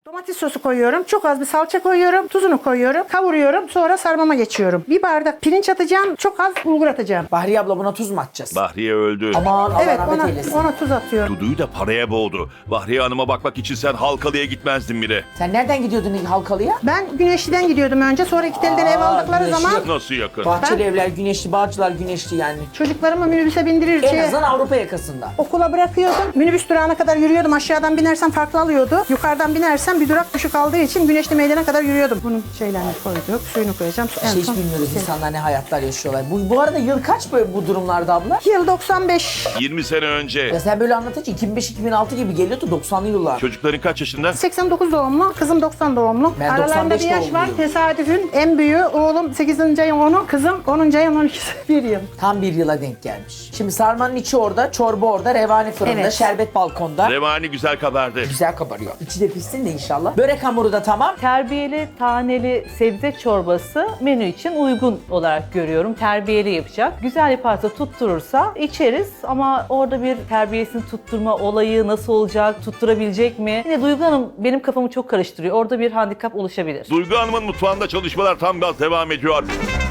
Domates sosu koyuyorum. Çok az bir salça koyuyorum. Tuzunu koyuyorum. Kavuruyorum. Sonra sarmama geçiyorum. Bir bardak pirinç atacağım. Çok az bulgur atacağım. Bahriye abla buna tuz mu atacağız? Bahriye öldü. Aman Allah Evet rahmet eylesin. ona tuz atıyorum. Dudu'yu da paraya boğdu. Bahriye Hanım'a bakmak için sen Halkalı'ya gitmezdin bile. Sen nereden gidiyordun Halkalı'ya? Ben Güneşli'den gidiyordum önce. Sonra iki telden ev aldıkları Güneşli. zaman Nasıl yakın? Bahçeli evler güneşli, Bağcılar güneşli yani. çocuklarımı minibüse bindirir. En azından Avrupa yakasında. Okula bırakıyordum. Minibüs durağına kadar yürüyordum. Aşağıdan binersem farklı alıyordu. Yukarıdan binersem bir durak düşük aldığı için Güneşli Meydan'a kadar yürüyordum. Bunun şeylerini koyduk. Suyunu koyacağım. Hiç bilmiyoruz insanlar ne hayatlar yaşıyorlar. Bu arada yıl kaç böyle bu durumlarda abla? Yıl 95. 20 sene önce. Ya sen böyle anlatınca 2005-2006 gibi geliyordu 90'lı yıllar. Çocukların kaç yaşında? 89 doğumlu. Kızım 90 doğumlu. Ben Aralarında 95 bir yaş var. doğumluyum. Tesadüfün en büyüğü oğlum 8. ayın 10'u. Kızım 10. ayın 12'si. Bir yıl. Tam bir yıla denk gelmiş. Şimdi sarmanın içi orada, çorba orada, revani fırında, Evet. şerbet balkonda. Revani güzel kabardı. Güzel kabarıyor. İçi de pişsin de inşallah. Börek hamuru da tamam. Terbiyeli taneli sebze çorbası menü için uygun olarak görüyorum. Terbiyeli yapacak. Güzel yaparsa tutturursa içeriz ama orada bir terbiyesini tutturma olayı nasıl olacak, tutturabilecek mi? Yine Duygu Hanım benim kafamı çok karıştırıyor. Orada bir handikap oluşabilir. Duygu Hanım'ın mutfağında çalışmalar tam gaz devam ediyor.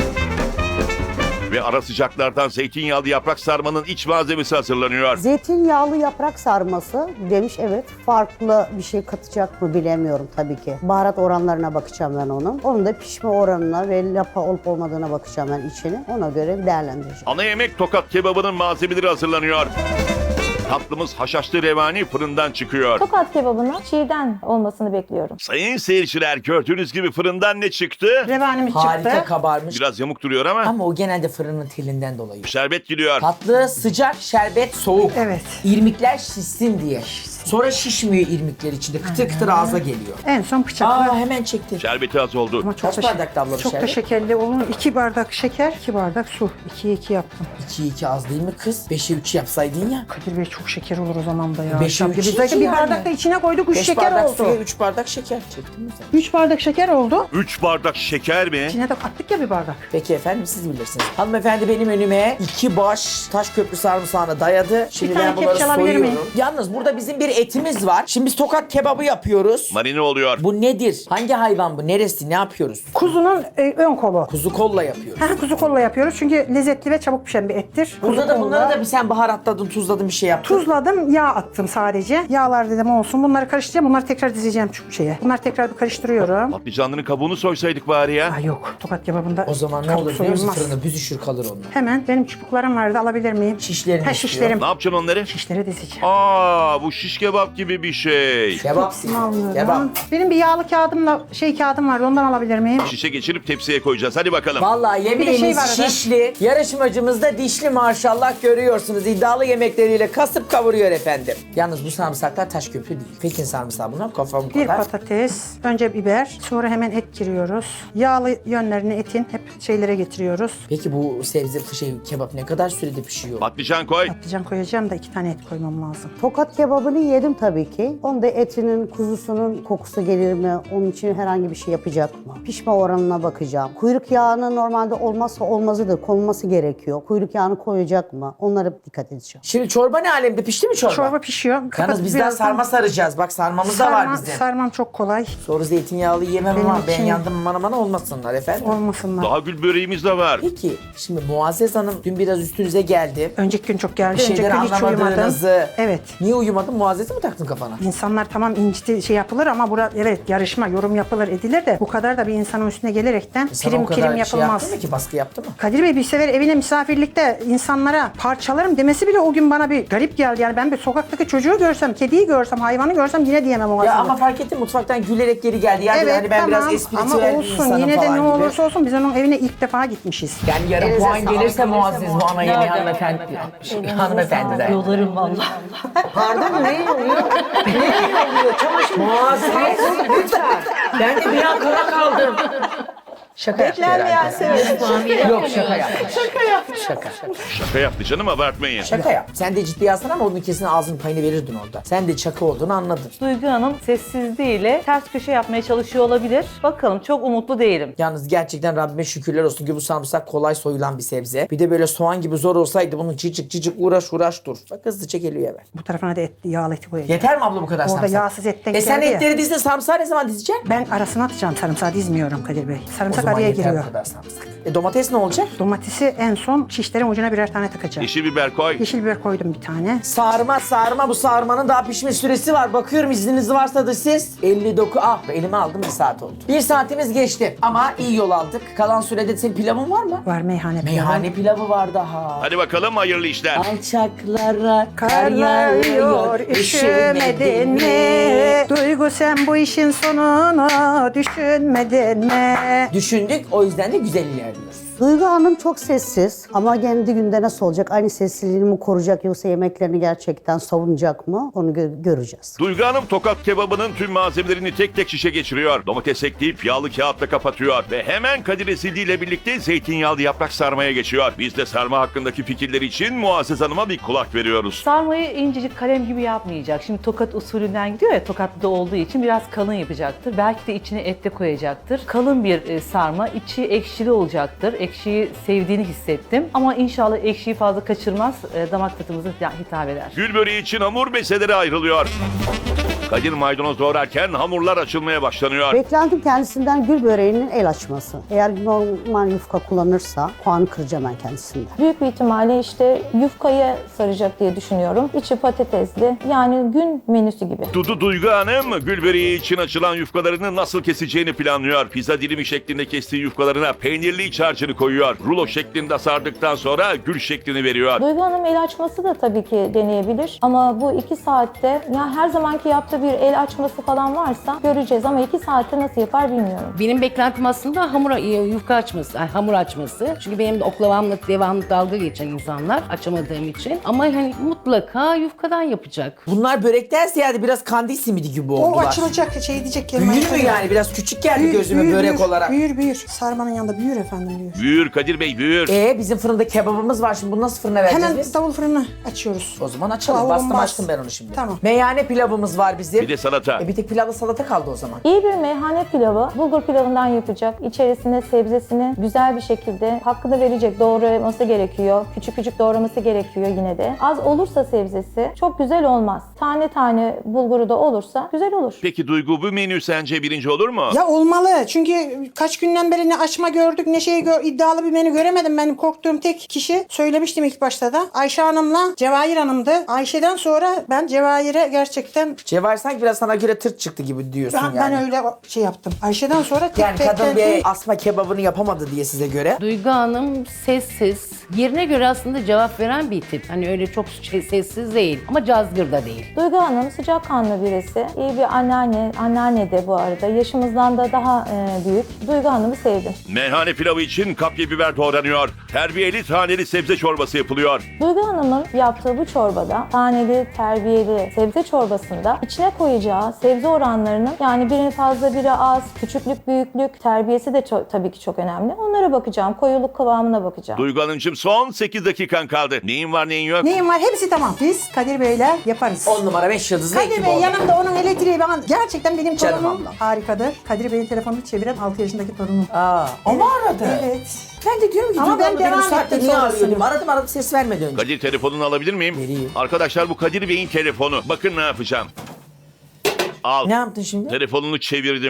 Ve ara sıcaklardan zeytinyağlı yaprak sarmanın iç malzemesi hazırlanıyor. Zeytinyağlı yaprak sarması demiş, evet. Farklı bir şey katacak mı bilemiyorum tabii ki. Baharat oranlarına bakacağım ben onun. Onun da pişme oranına ve lapa olup olmadığına bakacağım ben içini. Ona göre değerlendireceğim. Ana yemek tokat kebabının malzemeleri hazırlanıyor. Tatlımız haşhaşlı revani fırından çıkıyor. Tokat kebabının çiğden olmasını bekliyorum. Sayın seyirciler gördüğünüz gibi fırından ne çıktı? Revanimiz Harika çıktı. kabarmış. Biraz yamuk duruyor ama Ama o genelde fırının telinden dolayı. şerbet gidiyor. Tatlı, sıcak, şerbet, soğuk. Evet. İrmikler şişsin diye. Sonra şişmiyor irmikler içinde. Kıtır kıtır ağza geliyor. En son bıçakla. Hemen çekti. Şerbeti az oldu. Ama çok Kaç da bardakta abla bu Çok da şerbet? şekerli olur. 2 bardak şeker, 2 bardak su. 2'ye 2 yaptım. 2'ye 2 az değil mi kız? 5'e 3 yapsaydın ya. Kadir Bey çok şeker olur o zaman da ya. Beşe Şap üç gibi. iki Zaten bir yani. bardak da içine koyduk 3 5 şeker bardak oldu. suya 3 bardak şeker çektin mi sen? 3 bardak şeker oldu. 3 bardak şeker mi? İçine de kattık ya bir bardak. Peki efendim siz bilirsiniz. Hanımefendi benim önüme 2 baş taş köprü sarımsağını dayadı. Şimdi tane ben bunları kepçe alabilir soyuyorum. miyim? Yalnız burada bizim bir etimiz var. Şimdi biz tokat kebabı yapıyoruz. Marine oluyor. Bu nedir? Hangi hayvan bu? Neresi? Ne yapıyoruz? Kuzunun ön kolu. Kuzu kolla yapıyoruz. Kuzu kolla yapıyoruz çünkü lezzetli ve çabuk pişen bir ettir. Burada Kuzu da kolla. bunları da bir sen baharatladın, tuzladın bir şey yaptın. Tuzladım, yağ attım sadece. Yağlar dedim olsun. Bunları karıştıracağım. Bunları tekrar dizeceğim şu şeye. Bunları tekrar bir karıştırıyorum. Patlıcanların kabuğunu soysaydık bari ya. Ay yok. Tokat kebabında O zaman ne kabuk olur biliyor musun? soyulmaz. Fırında büzüşür kalır onlar. Hemen benim çubuklarım vardı. Alabilir miyim? Şişlerini Ha istiyor. şişlerim. Ne yapacaksın onları? Şişleri dizeceğim. Aa, bu şiş kebap gibi bir şey. Kebap. Alıyorum. Kebap. Benim bir yağlı kağıdımla kağıdım vardı. Ondan alabilir miyim? Şişe geçirip tepsiye koyacağız. Hadi bakalım. Vallahi Bir de yemeğimiz şey var arada. şişli. Yarışmacımız da dişli maşallah görüyorsunuz. İddialı yemekleriyle kasıp kavuruyor efendim. Yalnız bu sarımsaklar taş köprü değil. Pekin sarımsağı bunlar kafam Bir kadar. patates, önce biber, sonra hemen et giriyoruz. Yağlı yönlerini etin hep şeylere getiriyoruz. Peki bu sebze kebap ne kadar sürede pişiyor? Patlıcan koy. Patlıcan koyacağım da 2 tane et koymam lazım. Tokat kebabını yedim tabii ki. Onda etinin, kuzusunun kokusu gelir mi? Onun için herhangi bir şey yapacak mı? Pişme oranına bakacağım. Kuyruk yağının normalde olmazsa olmazıdır. Konulması gerekiyor. Kuyruk yağını koyacak mı? Onlara dikkat edeceğim. Şimdi çorba ne alemde? Pişti mi çorba? Çorba pişiyor. Yalnız Kapat bizden birazdan. sarma saracağız. Bak sarmamız da var bizde. Sarmam çok kolay. Sonra zeytinyağlı yemem Benim ama ben için- yandım mana olmasınlar efendim. Olmasınlar. Daha gül böreğimiz de var. Peki şimdi Muazzez Hanım dün biraz üstünüze geldi. Önceki gün çok geldi. Bir Önceki şeyleri gün hiç uyumadım. anlamadığınızı. Evet. Niye uyumadın? Muazzez'i mi taktın kafana? İnsanlar tamam inciti şey yapılır ama evet yarışma, yorum yapılır edilir de bu kadar da bir insanın üstüne gelerekten Sana o prim kadar şey yapılmaz. yaptı mı ki? Baskı yaptı mı? Kadir Bey bir sefer evine misafirlikte insanlara parçalarım demesi bile o gün bana bir garip geldi. Yani ben bir sokaktaki çocuğu görsem, kediyi görsem, hayvanı görsem yine diyemem o Ya aslında. ama fark ettim mutfaktan gülerek geri geldi. Yani Evet hani ben biraz tamam espritüel ama bir olsun insanım yine de falan ne gibi. olursa olsun biz onun evine ilk defa gitmişiz. Yani yarın puan gelirse Muazzez bu ana yemeği hanımefendi. Hanımefendiden. Yolarım vallahi. Pardon ne oluyor? Ne oluyor? Çamaşır Muazzez lütfen. Ben de bir an kala kaldım. Şaka yaptı Beklenmeyen herhalde. sebep. Yok şaka yaptı. Şaka. Şaka yaptı canım, abartmayın. Şaka yap. Sen de ciddiye alsana ama onun kesin ağzının payını verirdin orada. Sen de çakı olduğunu anladın. Duygu Hanım sessizliğiyle ters köşe yapmaya çalışıyor olabilir. Bakalım, çok umutlu değilim. Yalnız gerçekten Rabbime şükürler olsun ki bu sarımsak kolay soyulan bir sebze. Bir de böyle soğan gibi zor olsaydı bunu cicik uğraş dur. Bak hızlıca geliyor hemen. Bu tarafına da et, yağlı eti koyacağım. Yeter mi abla bu kadar Orada sarımsak? yağsız etten sen geldi ya. etleri dizdin, sarımsağı ne zaman dizeceksin? Ben arasına atacağım, sarımsağı dizmiyorum Kadir Bey. O Sarımsak zaman araya yeter giriyor. bu kadar sarımsak. Domates ne olacak? Domatesi en son şişlerin ucuna birer tane takacağım. Yeşil biber koy. Yeşil biber koydum bir tane. Sarma bu sarmanın daha pişme süresi var. Bakıyorum izniniz varsa da siz. 59 elime aldım 1 saat oldu. 1 saatimiz geçti ama iyi yol aldık. Kalan sürede senin pilavın var mı? Var meyhane pilavı. Meyhane pilavı var daha. Hadi bakalım, hayırlı işler. Alçaklara Karlar yağıyor, üşümedin mi? Duygu, sen bu işin sonunu düşünmedin mi? Düşündük, o yüzden de güzel ilerliyoruz. Duygu Hanım çok sessiz ama kendi günde nasıl olacak? Aynı sessizliğini mi koruyacak yoksa yemeklerini gerçekten savunacak mı? Onu göreceğiz. Duygu Hanım tokat kebabının tüm malzemelerini tek tek şişe geçiriyor. Domates ekleyip yağlı kağıtla kapatıyor. Ve hemen Kadir Esildi ile birlikte zeytinyağlı yaprak sarmaya geçiyor. Biz de sarma hakkındaki fikirleri için Muazzez Hanım'a bir kulak veriyoruz. Sarmayı incecik kalem gibi yapmayacak. Şimdi tokat usulünden gidiyor ya, tokatlı olduğu için biraz kalın yapacaktır. Belki de içine et de koyacaktır. Kalın bir sarma, içi ekşili olacaktır. Ekşiyi sevdiğini hissettim. Ama inşallah ekşiyi fazla kaçırmaz, damak tadımıza hitap eder. Gül böreği için hamur beselere ayrılıyor. Kadir maydanoz doğrarken hamurlar açılmaya başlanıyor. Beklentim kendisinden gül böreğinin el açması. Eğer normal yufka kullanırsa puanı kıracağım ben kendisinden. Büyük bir ihtimalle işte yufkaya saracak diye düşünüyorum. İçi patatesli. Yani gün menüsü gibi. Duygu Hanım gül böreği için açılan yufkalarını nasıl keseceğini planlıyor. Pizza dilimi şeklinde kestiği yufkalarına peynirli iç harcını koyuyor. Rulo şeklinde sardıktan sonra gül şeklini veriyor. Duygu Hanım el açması da tabii ki deneyebilir. Ama bu 2 saatte ya her zamanki yaptığı bir el açması falan varsa göreceğiz. Ama 2 saatte nasıl yapar bilmiyorum. Benim beklentim aslında yufka açması, hamur açması. Çünkü benim de oklavamla devamlı dalga geçen insanlar açamadığım için. Ama hani mutlaka yufkadan yapacak. Bunlar börekten ziyade biraz kandil simidi gibi O oldular. açılacak şey diyecek ki. Büyür mü yani? Biraz küçük geldi gözüme börek olarak. Büyür. Sarmanın yanında büyür efendim, büyür. Büyür Kadir Bey, büyür. Bizim fırında kebabımız var şimdi. Bunu nasıl fırına vereceğiz Hemen biz? davul fırını açıyoruz. O zaman açalım. Davulun Bastım bas. açtım ben onu şimdi. Tamam. Meyhane pilavımız var bizim. Bir de salata. Bir tek pilavla salata kaldı o zaman. İyi bir meyhane pilavı bulgur pilavından yapacak. İçerisine sebzesini güzel bir şekilde hakkını verecek. Doğraması gerekiyor. Küçük küçük doğraması gerekiyor yine de. Az olursa sebzesi çok güzel olmaz. Tane tane bulguru da olursa güzel olur. Peki Duygu, bu menü sence birinci olur mu? Ya olmalı. Çünkü kaç günden beri ne açma gördük ne iddialı bir menü göremedim. Benim korktuğum tek kişi, söylemiştim ilk başta da, Ayşe Hanım'la Cevahir Hanım'dı. Ayşe'den sonra ben Cevahir'e gerçekten Cevher sanki biraz sana göre tırt çıktı gibi diyorsun yani. ben öyle şey yaptım. Ayşe'den sonra tek Yani kadın tek bir asma kebabını yapamadı diye size göre. Duygu Hanım sessiz, yerine göre aslında cevap veren bir tip. Hani öyle çok sessiz değil ama cazgır da değil. Duygu Hanım sıcakkanlı birisi. İyi bir anneanne de bu arada. Yaşımızdan da daha büyük. Duygu Hanım'ı sevdim. Meyhane pilavı için kapya biber doğranıyor. Terbiyeli taneli sebze çorbası yapılıyor. Duygu Hanım'ın yaptığı bu çorbada, taneli, terbiyeli sebze çorbasında içine koyacağı sebze oranlarının, yani biri fazla biri az, küçüklük, büyüklük, terbiyesi de tabii ki çok önemli. Onlara bakacağım. Koyuluk kıvamına bakacağım. Duygu Hanımcığım, son 8 dakikan kaldı. Neyin var neyin yok? neyim var hepsi tamam. Biz Kadir Bey'le yaparız. 10 numara 5 yıldızlı Kadir ekip Bey oldu. yanımda, onun elektriği ben gerçekten benim Canım torunum ablam. harikadır. Kadir Bey'in telefonunu çeviren 6 yaşındaki torunum. O mu aradı? Evet. Ben de diyorum ki Ama Duygu ben abla beni devam bu saatte ettim niye sonrasında. arıyor diyorum. Aradım ses vermedi önce. Kadir, telefonunu alabilir miyim? Vereyim. Arkadaşlar, bu Kadir Bey'in telefonu. Bakın ne yapacağım. Al. Ne yaptın şimdi? Telefonunu çevirdim.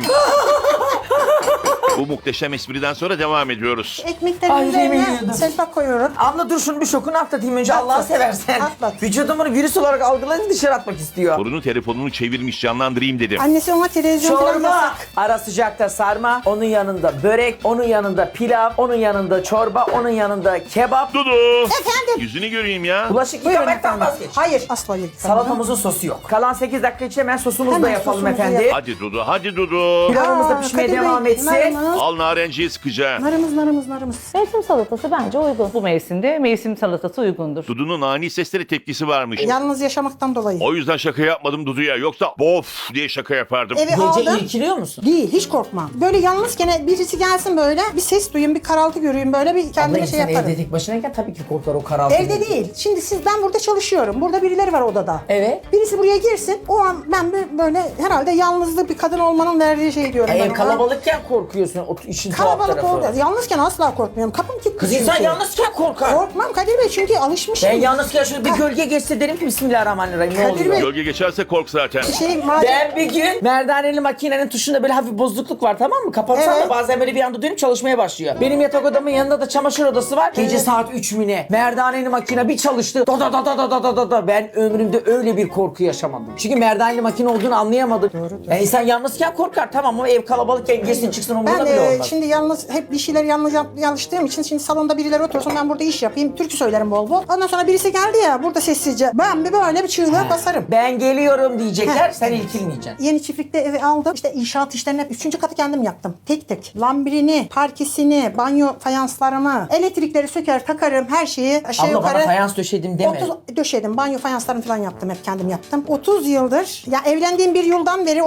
Bu muhteşem espriden sonra devam ediyoruz. Ekmeklerin Ay, yemin üzerine ediyorum. selpak koyuyorum. Abla dur şunu bir şokunu atlatayım önce Allah'ı seversen. Atlat. Vücudumun virüs olarak algılayınca dışarı atmak istiyor. Torunu telefonunu çevirmiş, canlandırayım dedim. Annesi ona televizyon falan Çorba, yasak. ara sıcakta sarma, onun yanında börek, onun yanında pilav, onun yanında çorba, onun yanında kebap. Dudu! Efendim? Yüzünü göreyim ya. Bulaşık Buyurun yıkamaktan efendim. vazgeç. Hayır, asla değil. Salatamızın sosu yok. Kalan 8 dakika için hemen sosumuzu da Hemen yapalım sosumuzu efendim. yap. Hadi Dudu, hadi Dudu. Pilavımız da Aa, pişmeye Kadir Bey, devam etsin. bunlar mı? narımız. Al narenciyi sıkıca. Narımız. Mevsim salatası bence uygun. Bu mevsimde mevsim salatası uygundur. Dudu'nun ani sesleri tepkisi varmış. Yalnız yaşamaktan dolayı. O yüzden şaka yapmadım Dudu'ya. Yoksa bof diye şaka yapardım. Eve Gece aldım. irkiliyor musun? Değil, hiç korkmam. Böyle yalnızken birisi gelsin böyle, bir ses duyayım, bir karaltı göreyim, böyle bir kendime Abla şey insan yaparım. evde tek başınayken tabii ki korkar o karaltı. Evde değil. Şimdi ben burada çalışıyorum. Burada birileri var odada. Evet. Birisi buraya girsin. O an ben böyle herhalde yalnızlık bir kadın olmanın verdiği şey diyorum. ben Ev ona. kalabalıkken korkuyorsun o işin tuhaf Kalabalık tarafı. oldu. Yalnızken asla korkmuyorum. Kapım kilitli Kız çünkü. insan yalnızken korkar. Korkmam Kadir Bey çünkü alışmışım. Ben yalnızken şöyle bir gölge geçse derim ki Bismillahirrahmanirrahim ne Kadir oluyor? Bey. Gölge geçerse kork zaten. Madem Ben bir gün merdaneli makinenin tuşunda böyle hafif bozukluk var, tamam mı? Kapatsam Evet. da bazen böyle bir anda dönüp çalışmaya başlıyor. Benim yatak odamın yanında da çamaşır odası var. Gece Evet. saat 3 mü ne? Merdaneli makine bir çalıştı. Da da da da da da da da. Ben ömrümde öyle bir korku yaşamadım. Çünkü merdaneli makine olduğunu anlayamadım. Yani insan yalnızken korkar tamam ama ev kalabalıkken girsin çıksın umurunda ben bile olmaz. şimdi yalnız hep bir şeyler yalnız çalıştığım için şimdi salonda birileri otursun ben burada iş yapayım. Türkü söylerim bol bol. Ondan sonra birisi geldi ya burada sessizce. Ben bir böyle bir çığlığa basarım. Ben geliyorum diyecekler, Heh. sen ilkilmeyeceksin. Yeni çiftlikte evi aldım. İşte inşaat işlerini hep 3. katı kendim yaptım. Tek tek. Lambirini, parkesini, banyo fayanslarımı, elektrikleri söker takarım her şeyi aşağı Abla bana yukarı. fayans döşedim deme. 30 döşedim. Banyo fayanslarını falan yaptım. Hep kendim yaptım. 30 yıldır ya evlendiğim bir yıldan beri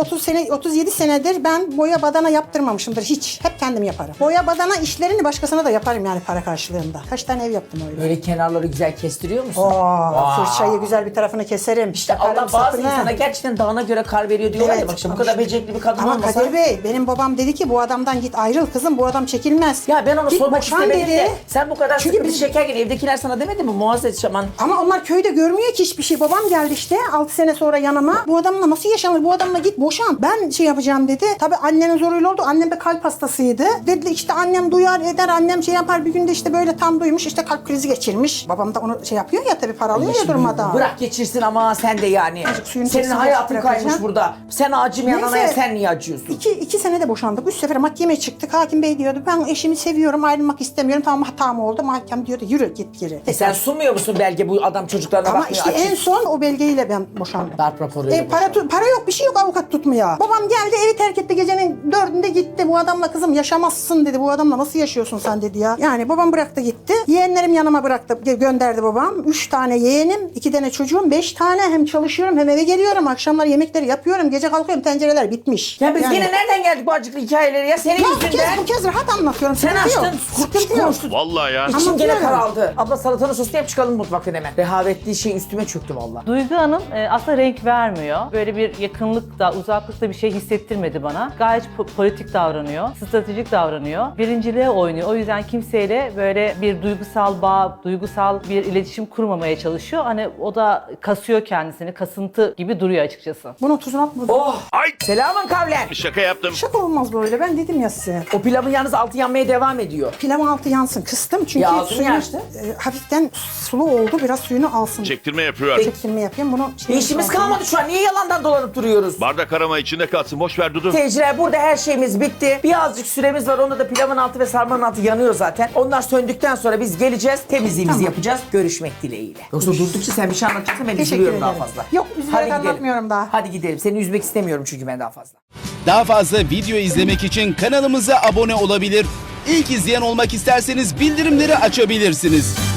37 senedir ben boya badana yaptırmamışımdır hiç. Hep kendim yaparım. Boya badana işlerini başkasına da yaparım yani para karşılığında. Kaç tane ev yaptım öyle. Böyle kenarları güzel kestiriyor musun? Fırçayı güzel bir tarafını keserim. İşte Takarım Allah bazı sapını. insana gerçekten dağına göre kar veriyor diyorlar ya, Evet, bak işte bu ama kadar işte- becerikli bir kadın Ama olmasa. Kadir Bey benim babam dedi ki bu adamdan git ayrıl kızım bu adam çekilmez. Ya ben onu Git sormak boşan istemedim dedi. de sen bu kadar Çünkü sıkıntı biz- çekerken evdekiler sana demedi mi Muazzez Şaman? Ama onlar köyde görmüyor ki hiçbir şey. Babam geldi işte 6 sene sonra yanıma. Bu adamla nasıl yaşanır? Bu adamla git boşan. Ben şey yapacağım dedi. Tabii annenin zoruyla oldu. Annem de kalp hastasıydı. Dedi işte annem duyar eder. Annem şey yapar. Bir günde işte böyle tam duymuş. işte kalp krizi geçirmiş. Babam da onu şey yapıyor ya tabii para alıyor ya durmadan. Bırak geçirsin ama sen de yani. Azıcık suyunu Senin çeksin, hayatın bırakacağım. kaymış burada. Sen acımayan Neyse. anaya sen niye acıyorsun? İki sene de boşandık. 3 sefer mahkemeye çıktık. Hakim bey diyordu ben eşimi seviyorum ayrılmak istemiyorum. Tamam hatam oldu. Mahkem diyordu yürü git geri. Sen sunmuyor musun belge bu adam çocuklarına Ama bakmıyor işte en açık. son o belgeyle ben boşandım. Darp raporuyla Para yok bir şey yok avukat tutmuyor. Babam geldi evi terk etti gecenin 4'ünde gitti. Bu adamla kızım yaşamazsın dedi. Bu adamla nasıl yaşıyorsun sen dedi ya. Yani babam bıraktı gitti. Yeğenlerim yanıma bıraktı gönderdi babam. 3 tane yeğenim 2 tane çocuğum 5 tane hem çalışıyorum hem eve geliyorum. Akşamlar yemekleri yapıyorum. Gece kalkıyorum tencereler bitmiş. Ya biz Yani- yine nereden geldik bu acıklı hikayelere ya? Senin Ya yüzünden. bu kez rahat anlatıyorum. Sen Sıkıntı yok. açtın. Sıkıntı yok. konuştun. Vallahi ya. İçim gene Anlatıyorum. karaldı. Abla salatanın sosunu yap çıkalım mutfaktan hemen. Rehavetli şey üstüme çöktü valla. Duygu Hanım aslında renk vermiyor. Böyle bir yakınlıkta, uzaklıkta bir şey hissettirmedi bana. Gayet politik davranıyor, stratejik davranıyor. Birinciliğe oynuyor. O yüzden kimseyle böyle bir duygusal bağ, duygusal bir iletişim kurmamaya çalışıyor. Hani o da kasıyor kendisini, kasıntı gibi duruyor açıkçası. Bunun tuzunu at. Oh! Ay Selamın kavlen. şaka yaptım. Şaka olmaz böyle. Ben dedim ya size. O pilavın yalnız altı yanmaya devam ediyor. Pilavın altı yansın. Kıstım çünkü Ya altını suyunu yaktı. hafiften sulu oldu. Biraz suyunu alsın. Çektirme yapıyor. Çektirme yapayım. Bunu İşimiz kalmadı şu an. Niye yalandan dolanıp duruyoruz? Bardak arama içinde kalsın. Boş ver Dudu. Seyirciler burada her şeyimiz bitti. Birazcık süremiz var. Onda da pilavın altı ve sarmanın altı yanıyor zaten. Onlar söndükten sonra biz geleceğiz. Temizliğimizi Tamam. yapacağız. Görüşmek dileğiyle. Yoksa durdukça sen bir şey anlatacaksın ben Teşekkür üzülüyorum daha ederim. fazla. Yok, üzülerek gidelim. anlatmıyorum daha. Hadi gidelim. Seni üzmek istemiyorum çünkü ben daha fazla. Daha fazla video izlemek için kanalımıza abone olabilir. İlk izleyen olmak isterseniz bildirimleri açabilirsiniz.